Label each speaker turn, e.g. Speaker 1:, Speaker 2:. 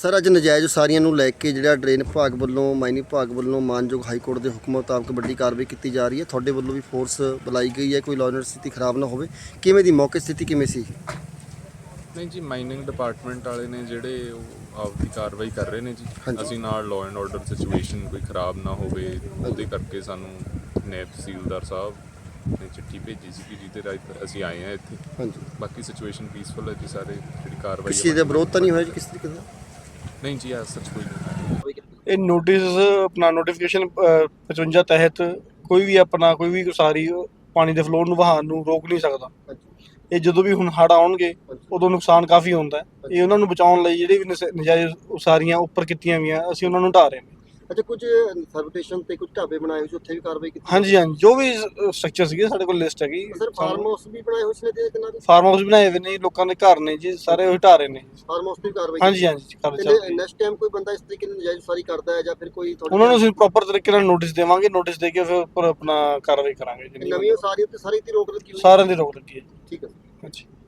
Speaker 1: Sir ਅੱਜ ਨਜਾਇਜ਼ ਉਸਾਰੀਆਂ ਨੂੰ ਲੈ ਕੇ ਜਿਹੜਾ ਡਰੇਨ ਵਿਭਾਗ ਵੱਲੋਂ ਮਾਈਨਿੰਗ ਵਿਭਾਗ ਵੱਲੋਂ ਮਾਨਯੋਗ ਹਾਈ ਕੋਰਟ ਦੇ ਹੁਕਮ ਮੁਤਾਬਕ ਵੱਡੀ ਕਾਰਵਾਈ ਕੀਤੀ ਜਾ ਰਹੀ ਹੈ। ਤੁਹਾਡੇ ਵੱਲੋਂ ਵੀ ਫੋਰਸ ਬੁਲਾਈ ਗਈ ਹੈ, ਕੋਈ ਲਾਅ ਐਂਡ ਸਥਿਤੀ ਖਰਾਬ ਨਾ ਹੋਵੇ, ਕਿਵੇਂ ਦੀ ਮੌਕੇ ਸਥਿਤੀ ਕਿਵੇਂ ਸੀ?
Speaker 2: ਨਹੀਂ ਜੀ, ਮਾਈਨਿੰਗ ਡਿਪਾਰਟਮੈਂਟ ਵਾਲੇ ਨੇ ਜਿਹੜੇ ਉਹ ਆਪਦੀ ਕਾਰਵਾਈ ਕਰ ਰਹੇ ਨੇ ਜੀ। ਅਸੀਂ ਨਾਲ ਲਾਅ ਐਂਡ ਆਰਡਰ ਸਿਚੁਏਸ਼ਨ ਕੋਈ ਖਰਾਬ ਨਾ ਹੋਵੇ ਉਹਦੇ ਕਰਕੇ ਸਾਨੂੰ ਨਾਇਬ ਤਹਿਸੀਲਦਾਰ ਸਾਹਿਬ ਨੇ ਚਿੱਠੀ ਭੇਜੀ ਸੀ ਕਿ ਜਿਹਦੇ ਰਾਹੀਂ ਅਸੀਂ ਆਏ ਹਾਂ ਇੱਥੇ।
Speaker 1: ਹਾਂਜੀ,
Speaker 2: ਬਾਕੀ ਸਿਚੁਏਸ਼ਨ ਪੀਸਫੁਲ ਹੈ ਜੀ। ਸਾਰੇ ਜਿਹੜੀ ਕਾਰਵਾਈ
Speaker 1: ਕਿਸੇ ਦਾ ਵਿਰੋਧ ਤਾਂ ਨਹੀਂ ਹੋਇਆ ਜੀ ਕਿਸ ਤਰੀਕੇ ਦਾ?
Speaker 2: ਨਹੀਂ ਜੀ, ਐਸ ਸੱਚ ਕੋਈ ਨਹੀਂ।
Speaker 3: ਇਹ ਨੋਟਿਸ ਆਪਣਾ ਨੋਟੀਫਿਕੇਸ਼ਨ 55 ਤਹਿਤ ਕੋਈ ਵੀ ਆਪਣਾ ਕੋਈ ਵੀ ਉਸਾਰੀ ਪਾਣੀ ਦੇ ਫਲੋ ਨੂੰ ਵਹਾਅ ਨੂੰ ਰੋਕ ਨਹੀਂ ਸਕਦਾ। ਇਹ ਜਦੋਂ ਵੀ ਹੁਣ ਹੜ੍ਹ ਆਉਣਗੇ ਉਦੋਂ ਨੁਕਸਾਨ ਕਾਫੀ ਹੁੰਦਾ ਹੈ। ਇਹ ਉਹਨਾਂ ਨੂੰ ਬਚਾਉਣ ਲਈ ਜਿਹੜੇ ਵੀ ਨਜਾਇਜ਼ ਉਸਾਰੀਆਂ ਉੱਪਰ ਕੀਤੀਆਂ ਗਈਆਂ ਅਸੀਂ ਉਹਨਾਂ ਨੂੰ ਢਾਹ ਰਹੇ ਹਾਂ।
Speaker 1: ਅੱਛਾ, ਕੁਝ ਸਰਵਿਟੇਸ਼ਨ ਤੇ ਕੁਝ ਢਾਬੇ ਬਣਾਏ ਹੋਏ ਸੀ, ਉੱਥੇ ਵੀ ਕਾਰਵਾਈ ਕੀਤੀ?
Speaker 3: ਹਾਂਜੀ ਹਾਂਜੀ, ਜੋ ਵੀ ਸਟਰਕਚਰ ਸੀਗੇ ਸਾਡੇ ਕੋਲ ਲਿਸਟ ਹੈਗੀ।
Speaker 1: ਸਰ ਫਾਰਮ ਹਾਊਸ ਵੀ ਬਣਾਏ ਹੋਏ ਸੀ ਨੇ ਕਿੰਨਾ ਦੇ?
Speaker 3: ਫਾਰਮ ਹਾਊਸ ਬਣਾਏ ਹੋਏ ਨੇ, ਲੋਕਾਂ ਦੇ ਘਰ ਨੇ ਜੀ, ਸਾਰੇ ਉਹ ਢਾਹ ਰਹੇ ਨੇ।
Speaker 1: ਫਾਰਮ ਹਾਊਸ ਦੀ ਕਾਰਵਾਈ?
Speaker 3: ਹਾਂਜੀ ਹਾਂਜੀ, ਕਰ ਚੱਲ ਰਹੀ ਹੈ।
Speaker 1: ਨੈਕਸਟ ਟਾਈਮ ਕੋਈ ਬੰਦਾ ਇਸ ਤਰੀਕੇ ਨਾਲ ਨਜਾਇਜ਼ ਉਸਾਰੀ ਕਰਦਾ ਹੈ ਜਾਂ ਫਿਰ ਕੋਈ
Speaker 3: ਉਹਨਾਂ ਨੂੰ ਅਸੀਂ ਪ੍ਰੋਪਰ ਤਰੀਕੇ ਨਾਲ ਨੋਟਿਸ ਦੇਵਾਂਗੇ। ਨੋਟਿਸ ਦੇ ਕੇ ਫਿਰ ਉੱਪਰ ਆਪਣਾ ਕਾਰਵਾਈ ਕਰਾਂਗੇ।
Speaker 1: ਨਵੀਂ ਉਸਾਰੀ ਉੱਤੇ ਸਾਰੀ ਦੀ ਰੋਕ ਲੱਗੀ ਹੋਈ?
Speaker 3: ਸਾਰਿਆਂ ਦੀ ਰੋਕ ਲੱਗੀ ਹੈ ਜੀ।
Speaker 1: ਠੀਕ ਹੈ।
Speaker 3: ਹਾਂਜੀ।